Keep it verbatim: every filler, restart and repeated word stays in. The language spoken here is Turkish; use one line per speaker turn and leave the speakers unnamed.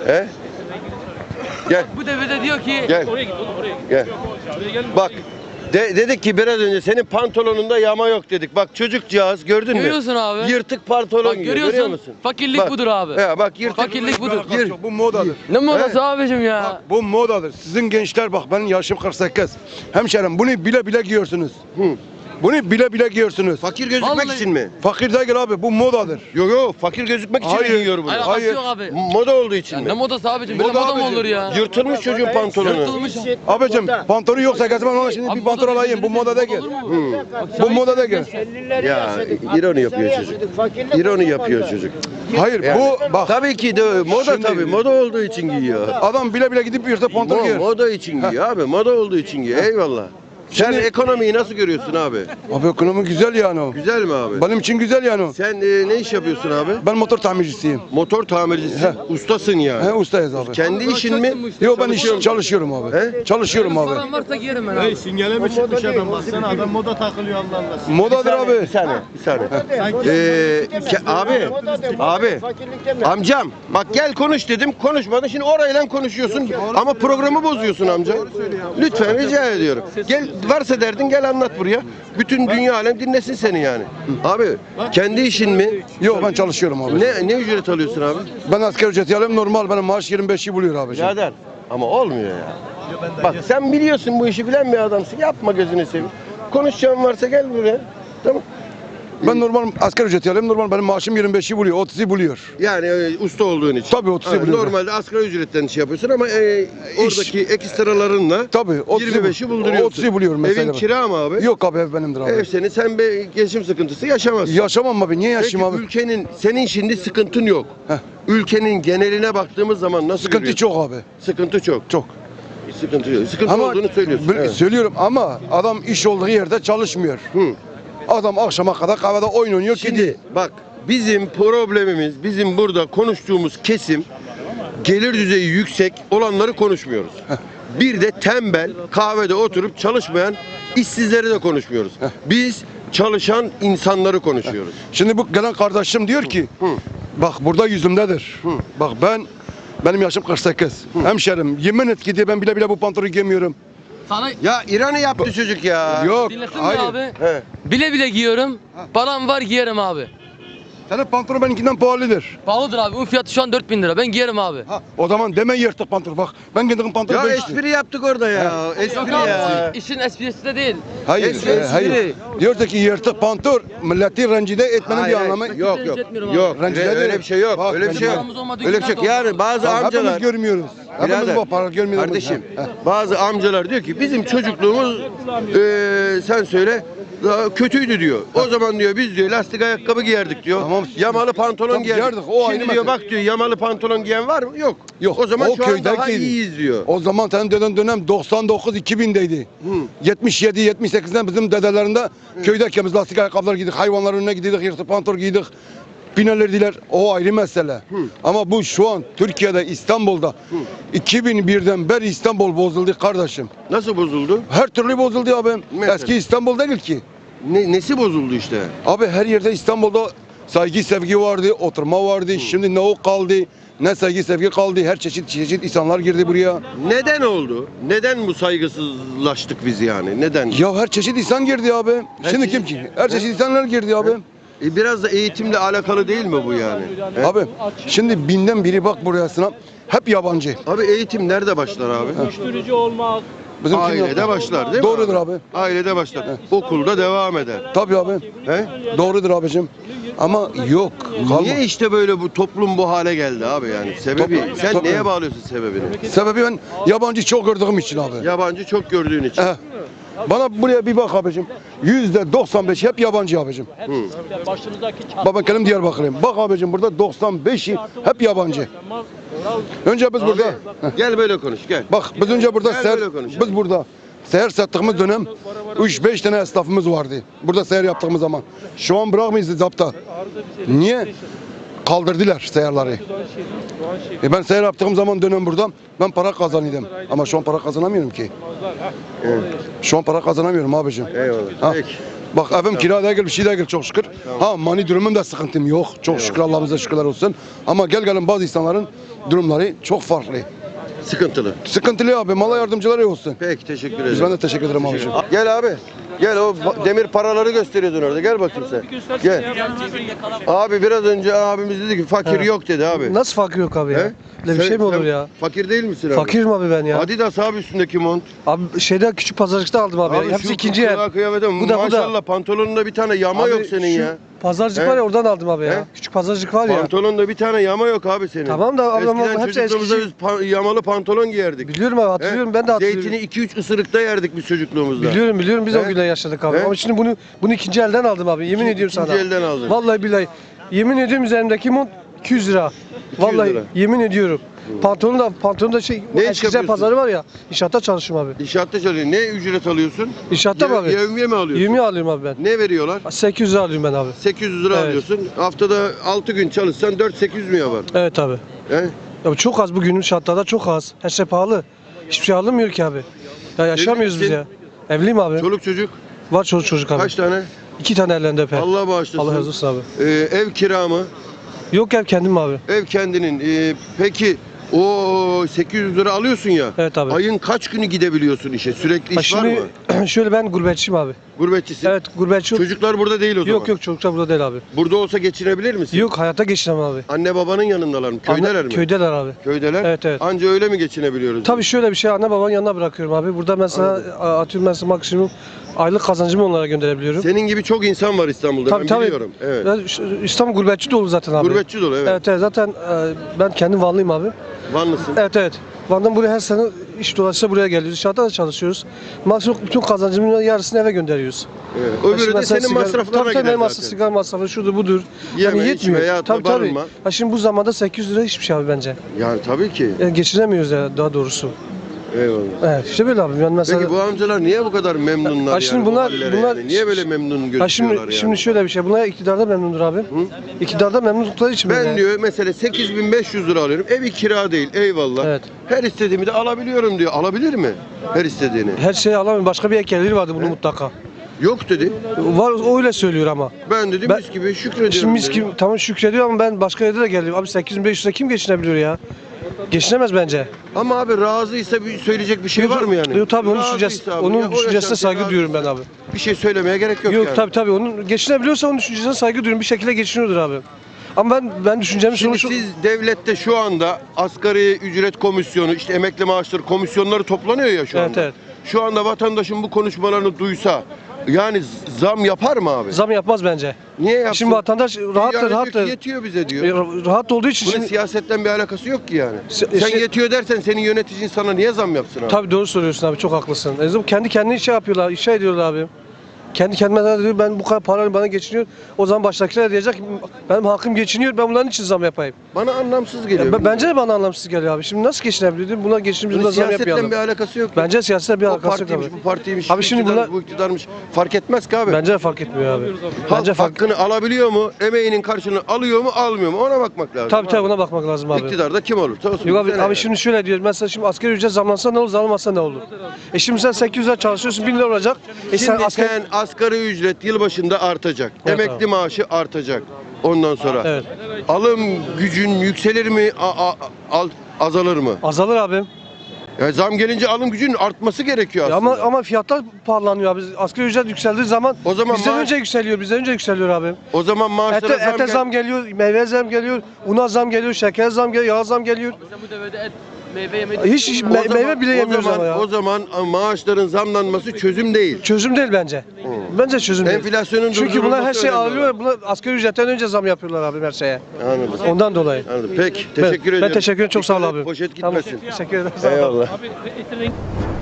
He? Gel.
Bu devirde diyor ki
Gel.
oraya git oğlum oraya git.
Gel. Bak. De, dedik ki biraz önce senin pantolonunda yama yok dedik. Bak çocukcağız gördün mü?
Görüyorsun abi.
Yırtık pantolon
Bak
giyiyor.
görüyorsun.
Görüyor musun?
Fakirlik
Bak.
budur abi.
He, bak yırtık.
Fakirlik budur.
Gir.
Bu modadır.
Ne modası abicim ya?
Bak, bu modadır. Sizin gençler bak benim yaşım kırk sekiz. Hemşerim bunu bile bile giyiyorsunuz.
Hı.
Bunu bile bile giyiyorsunuz.
Fakir gözükmek
Vallahi-
için mi?
Fakir değil abi bu modadır.
Yok yok fakir gözükmek için
Hayır.
giyiyor bunu.
Hayır,
Hayır.
hayır. Yok abi.
Moda olduğu için
Ya
mi?
ne modası abicim? Böyle
Moda
moda mı
abicim.
olur ya?
Yırtılmış çocuğun pantolonu.
Yırtılmış.
Abicim pantolonu yoksa gezmem ama şimdi
Abi
bir pantolon
moda
alayım. Bu
dediğiniz
moda
moda
değil.
olur mu?
Bu moda değil.
Ya ironi yapıyor çocuk. İroni yapıyor çocuk.
Hayır
Yani,
bu bak
tabii ki de moda
Şimdi-
tabii. Moda olduğu için giyiyor.
adam bile bile gidip yırtık pantolon
Mo-
giyer.
moda için giyiyor abi. Moda olduğu için giyiyor. Eyvallah. Sen
Şimdi-
ekonomiyi nasıl görüyorsun abi?
Abi ekonomi güzel yani o.
Güzel mi abi?
Benim için güzel yani o.
Sen e, ne iş yapıyorsun abi?
Ben motor tamircisiyim.
Motor tamircisi. Ustasın yani.
He ustayız abi.
Kendi işin mi?
Yok ben iş çalışıyorum abi.
He?
Çalışıyorum abi.
Param varsa giyerim ben
Hey
abi.
singele mi çıkmış adam baksana adam moda takılıyor Allah Allah.
Modadır
Bir
abi.
saniye, bir saniye. Ee, ke- abi, abi, amcam, bak gel konuş dedim, konuşmadın. Şimdi orayla konuşuyorsun ama programı bozuyorsun amca. Lütfen rica ediyorum. Gel, varsa derdin gel anlat buraya. Bütün dünya alem dinlesin seni yani. Abi, kendi işin mi?
Yok ben çalışıyorum abi.
Ne ne ücret alıyorsun abi?
Ben asgari ücreti alıyorum normal benim maaş yirmi beşi buluyor abi.
Birader. Ama olmuyor ya. Bak sen biliyorsun bu işi bilen bir adamsın. Yapma gözünü seveyim. Konuşacağın varsa gel buraya. Tamam.
Ben normal asgari ücreti alıyorum normal benim maaşım yirmi beşi buluyor otuzu buluyor.
Yani e, usta olduğun için.
Tabii, otuzu
Ha,
buluyorum.
Normalde asgari ücretten şey yapıyorsun ama e, oradaki ekstralarınla
Tabii otuzu
yirmi beşi bulduruyorsun.
otuzu buluyorum mesela.
Evin kira mı abi?
Yok abi ev benimdir abi.
Ev senin, sen bir geçim sıkıntısı yaşamazsın.
Yaşamam abi niye
Peki
yaşayayım abi?
ülkenin, senin şimdi sıkıntın yok.
Heh.
Ülkenin geneline baktığımız zaman nasıl
Sıkıntı
görüyorsun?
çok abi.
Sıkıntı çok.
Çok.
Sıkıntı yok. Sıkıntı
Ama
olduğunu söylüyorsun.
bil-
Evet.
söylüyorum ama adam iş olduğu yerde çalışmıyor.
Hı.
Adam akşama kadar kahvede oyun oynuyor
Şimdi
gidiyor.
bak bizim problemimiz, bizim burada konuştuğumuz kesim gelir düzeyi yüksek olanları konuşmuyoruz. Bir de tembel, kahvede oturup çalışmayan işsizleri de konuşmuyoruz. Biz çalışan insanları konuşuyoruz.
Şimdi bu gelen kardeşim diyor ki
Hı.
bak burada yüzümdedir.
Hı.
Bak ben benim yaşım kırk sekiz. Hemşerim yemin et ki diye ben bile bile bu pantolonu giymiyorum.
Sana
Ya İran'ı yaptı çocuk ya.
Yok.
dinlesin mi
Hayır.
abi?
He.
Bile bile giyiyorum. Param var giyerim abi.
Senin pantolon benimkinden pahalıdır.
Pahalıdır abi. Bunun fiyatı şu an dört bin lira. Ben giyerim abi.
Ha, o zaman deme yırtık pantolon. Bak ben giydiğim pantolon
Ya
beş lira.
espri yaptık orada ya.
Yok
Espri
abi.
ya.
İşin esprisi de değil.
Hayır,
Espri,
e, hayır.
espri.
Diyor ki yırtık pantolon milleti rencide etmenin
Hayır,
bir
hayır.
anlamı.
Yok
Rencide
yok.
etmiyorum abi.
Yok.
Rencide
öyle
ederim.
bir şey yok.
Bak,
Öyle bir şey yok.
paramız olmadığı
Öyle bir şey yok.
günler de
Yani
oldu.
bazı
Hepimiz
amcalar
görmüyoruz. Hepimiz
Birader,
bu para görmüyoruz.
Kardeşim,
Ha, ha.
bazı amcalar diyor ki bizim çocukluğumuz eee sen söyle daha kötüydü diyor. O zaman diyor biz diyor lastik ayakkabı giyerdik diyor.
Tamam.
Yamalı pantolon
Tamam,
giyerdik.
giyerdik, o
Şimdi
ayrı
diyor
mesele.
bak diyor yamalı pantolon giyen var mı? Yok.
Yok.
O zaman
o
şu an daha
köydekiydi.
iyiyiz diyor.
O zaman senin dönem dönem doksan dokuz iki bindeydi. yetmiş yedi yetmiş sekizden bizim dedelerinde köydeki biz lastik ayakkabılar giydik. Hayvanların önüne gidiydik, yırtık pantolon giydik. Binerlerdiler. O ayrı mesele. Ama bu şu an Türkiye'de İstanbul'da iki bin birden beri İstanbul bozuldu kardeşim.
Nasıl bozuldu?
Her türlü bozuldu abi.
Mesela?
Eski İstanbul değil ki.
Ne, nesi bozuldu işte?
Abi her yerde İstanbul'da saygı sevgi vardı, oturma vardı. Şimdi ne o kaldı, ne saygı sevgi kaldı. Her çeşit çeşit insanlar girdi buraya.
Neden oldu? Neden bu saygısızlaştık biz yani? Neden?
Ya her çeşit insan girdi abi.
Her
Şimdi
çeşit-
kim ki? Her çeşit insanlar girdi abi.
E, biraz da eğitimle alakalı değil mi bu yani? He?
Abi şimdi binden biri bak buraya sınav. Hep yabancı.
Abi eğitim nerede başlar abi?
Uyuşturucu olmak.
Bizim kim
Ailede
yaptı?
başlar değil mi?
Doğrudur abi.
Ailede başlar. Okulda devam eder.
Tabii abi.
He?
Doğrudur abicim. Ama yok. Kalma.
Niye işte böyle bu toplum bu hale geldi abi yani? Sebebi
Toplum-
sen
toplum-
neye bağlıyorsun sebebini?
Sebebi ben yabancı çok gördüğüm için abi.
Yabancı çok gördüğün için.
Eh. Bana buraya bir bak abicim. Yüzde doksan beş hep yabancı abicim.
Başınızdaki çat.
Baba kendim Diyarbakır'ım. Bak abicim burada doksan beşi hep yabancı. Önce biz burada. Heh.
Gel böyle konuş gel.
Bak biz önce burada
Gel
seher,
böyle konuşalım.
biz burada seher sattığımız dönem üç beş tane esnafımız vardı. Burada seher yaptığımız zaman. Şu an bırakmayız zapta. Niye? Kaldırdılar seherleri. E ben seher yaptığım zaman dönem burada ben para kazanıyordum. Ama şu an para kazanamıyorum ki.
Evet.
Şu an para kazanamıyorum abicim.
Eyvallah.
Ha.
Peki.
Bak evim kira değil bir şey değil çok şükür. Ha mani durumum da sıkıntım yok. Çok şükür Allah'ımıza şükürler olsun. Ama gel gelin bazı insanların durumları çok farklı.
Sıkıntılı.
Sıkıntılı abi. Mala yardımcıları iyi olsun.
Peki teşekkür
Biz
ederim.
ben de teşekkür ederim abicim.
Gel abi. Gel o ba- demir paraları gösteriyordun orada. Gel bakayım sen. Gel. Abi biraz önce abimiz dedi ki fakir
Evet.
yok dedi abi.
Nasıl fakir yok abi ya?
He?
Öyle bir
Sen-
şey mi olur
sen
ya?
Fakir değil misin abi?
Fakirim abi ben ya.
Adidas abi üstündeki mont.
Abi şeyde küçük pazarcıkta aldım abi.
Abi
ya. Hepsi
şu
ikinci el.
kulağa kıyafete
Bu da, bu da.
maşallah pantolonunda bir tane yama
Abi
yok senin
şu
ya.
Pazarcık
He?
var ya oradan aldım abi
He?
ya. Küçük pazarcık var ya.
Pantolonda bir tane yama yok abi senin.
Tamam da abi ama
Eskiden
hepsi
çocukluğumuzda
eskici.
biz pa- yamalı pantolon giyerdik.
Biliyorum abi hatırlıyorum ben de hatırlıyorum.
Zeytini iki üç ısırıkta yerdik biz çocukluğumuzda.
Biliyorum biliyorum biz
He?
o günler yaşadık abi.
He?
Ama şimdi bunu bunu ikinci elden aldım abi. Yemin
İkinci-
ediyorum sana.
ikinci elden aldın.
Vallahi billahi. Yemin ediyorum üzerimdeki mont iki yüz lira.
iki yüz
Vallahi
lira.
yemin ediyorum. Pantolonu da pantolonu da şey
Ne iş
Eskişehir
yapıyorsun?
pazarı var ya. İnşaatta çalışıyorum abi.
İnşaatta çalışıyorsun. Ne ücret alıyorsun?
İnşaatta mı
Yev-
abi?
Yevmiye mi alıyorsun?
Yevmiye alıyorum abi ben.
Ne veriyorlar?
sekiz yüz lira alıyorum ben abi.
sekiz yüz lira
Evet.
alıyorsun. Haftada altı gün çalışsan dört sekiz yüz mü yapar?
Evet abi.
He?
Ya bu çok az bu günün şartlarda çok az. Her şey pahalı. Hiçbir şey alınmıyor ki abi. Ya yaşamıyoruz biz
misin?
ya. Evliyim abi.
Çoluk çocuk
Var çocuk çocuk abi.
kaç tane?
İki tane ellerinde öper. Allah,
Allah bağışlasın.
razı olsun abi.
Ee, ev kira mı?
Yok ev kendim abi.
Ev kendinin. Ee, peki o sekiz yüz lira alıyorsun ya.
Evet abi.
Ayın kaç günü gidebiliyorsun işe? Sürekli
Ha
iş var mı?
şimdi şöyle ben gurbetçiyim abi.
Gurbetçisin.
Evet gurbetçi.
Çocuklar burada değil o zaman.
Yok yok çocuklar burada değil abi.
Burada olsa geçinebilir misin?
Yok hayatta geçinemem abi.
Anne babanın yanındalar mı? Köydeler
Anne-
mi?
Köydeler abi.
Köydeler.
Evet, evet.
Anca öyle mi geçinebiliyoruz?
Tabii şöyle bir şey anne babanın yanına bırakıyorum abi. Burada mesela a- atıyorum mesela maksimum aylık kazancımı onlara gönderebiliyorum.
Senin gibi çok insan var İstanbul'da.
Tabii,
ben
tabii.
biliyorum. Evet.
Ben şu- İstanbul gurbetçi dolu zaten abi.
Gurbetçi dolu evet.
Evet evet zaten e, ben kendim Vanlıyım abi.
Vanlısın.
Evet evet. Van'dan buraya her sene iş dolayısıyla buraya geliyoruz. İnşaatta da çalışıyoruz. Maksimum bütün kazancımın yarısını eve gönderiyoruz.
Evet.
Ya
Öbürü
şimdi
de
mesela
senin
sigara-
masraflarına
tabii, tabii,
gider
benim
zaten.
masraf, sigara masrafı şudur budur.
Yeme,
yani
içme,
yetmiyor.
yatma,
Tabii tabii.
barınma.
Ha şimdi bu zamanda sekiz yüz lira hiçbir şey abi bence.
Yani tabii ki.
Yani geçinemiyoruz ya daha doğrusu.
Eyvallah.
Evet işte böyle abi. Yani mesela
Peki bu amcalar niye bu kadar memnunlar
Ha,
yani
şimdi
bu
bunlar-
hallere
bunlar-
yani? Niye böyle memnun gözüküyorlar
ha şimdi,
yani?
şimdi şöyle bir şey. Bunlar iktidarda memnundur abi. İktidarda memnunlukları için
Ben
böyle.
diyor mesela sekiz bin beş yüz lira alıyorum. Evi kira değil. Eyvallah.
Evet.
Her istediğimi de alabiliyorum diyor. Alabilir mi? Her istediğini.
Her şeyi alamıyorum. Başka bir ekleri vardı bunu mutlaka.
Yok dedi.
Var o öyle söylüyor ama.
Ben dedi
Ben-
mis gibi şükrediyorum.
Şimdi mis
dedi.
gibi tamam şükrediyor ama ben başka yerde de geliyorum. Abi sekiz bin beş yüz'e kim geçinebiliyor ya? Geçinemez bence.
Ama abi razıysa bir söyleyecek bir şey var mı yani?
Yok tabii onun
Razıysa
düşüncesi,
abi,
onun
ya o
düşüncesine
yaşantı
saygı
razıysa
duyuyorum ben abi.
Bir şey söylemeye gerek yok,
Yok
yani.
tabii tabii onun geçinebiliyorsa onun düşüncesine saygı duyuyorum. Bir şekilde geçiniyordur abi. Ama ben ben düşüncemi
Şimdi
sonuç
siz devlette şu anda asgari ücret komisyonu, işte emekli maaşları komisyonları toplanıyor ya şu
Evet,
anda.
evet.
Şu anda vatandaşın bu konuşmalarını duysa yani zam yapar mı abi?
zam yapmaz bence.
Niye yapsın?
Şimdi vatandaş rahat
Yani diyor
rahat
ki yetiyor bize diyor.
rahat olduğu için
Bunun
şimdi
siyasetten bir alakası yok ki yani.
Si-
Sen
şey-
yetiyor dersen senin yöneticin sana niye zam yapsın abi?
tabii doğru söylüyorsun abi çok haklısın. En azından kendi kendine şey yapıyorlar, şey ediyorlar abi. Kendi kendime diyor ben bu kadar paranın bana geçiniyor. O zaman baştakiler diyecek benim hakkım geçiniyor ben bunların için zam yapayım.
Bana anlamsız geliyor.
Ya, ben- bence de bana anlamsız geliyor abi. Şimdi nasıl geçinebiliyor? değil mi? Buna geçinimiz
Bunun
buna zam
siyasetten
yapmayalım.
bir alakası yok.
Bence siyasetle bir
o
alakası yok
partiymiş,
abi.
bu partiymiş,
Abi
şu
şimdi
iktidar,
buna-
bu iktidarmış fark etmez ki abi.
Bence de fark etmiyor abi.
Halk
Bence fark
hakkını alabiliyor mu? Emeğinin karşılığını alıyor mu, almıyor mu? Ona bakmak lazım.
Tabii tabii
abi.
buna bakmak lazım abi.
İktidarda kim olur? Olsun,
Yok abi,
bize ne
abi
yani?
şimdi şöyle diyor. Mesela şimdi asgari ücret zamlansa ne olur, zamlanmasa ne olur? E şimdi sen sekiz yüz lira çalışıyorsun, bin lira olacak. E sen
Şimdi
asgari...
sen asgari ücret yılbaşında artacak.
Evet,
Emekli
abi.
maaşı artacak. Ondan sonra
Evet.
alım gücün yükselir mi, a- a- al- azalır mı?
Azalır abi.
Yani zam gelince alım gücünün artması gerekiyor
Ya
aslında.
ama ama fiyatlar pahalanıyor abi. Asgari ücret yükseldiği zaman
O zaman
bizden
maaş-
önce yükseliyor, bizden önce yükseliyor abi.
O zaman maaşlara
Ete,
zam,
ete
gel-
zam geliyor, meyve zam geliyor, una zam geliyor, şeker zam geliyor, yağ zam geliyor.
Sen bu devirde et, meyve yemeyi
Hiç, hiç
O
me-
zaman-
meyve bile
o
yemiyoruz
zaman,
ama ya.
O zaman maaşların zamlanması çözüm değil.
Çözüm değil bence. Bence çözüm değil.
Enflasyonun
Çünkü bunlar her
durdurulması
şey
önemli
alıyor, bunlar asgari ücretten önce zam yapıyorlar abi her şeye.
Anladım.
Ondan dolayı.
Anladım. Peki,
Ben-
teşekkür
ben
ederim.
teşekkür ederim, çok sağ ol
Dikkat et,
abi.
Poşet
Tamam,
gitmesin.
teşekkür ederim. Sağ ol.
Eyvallah.
Abi etin rengi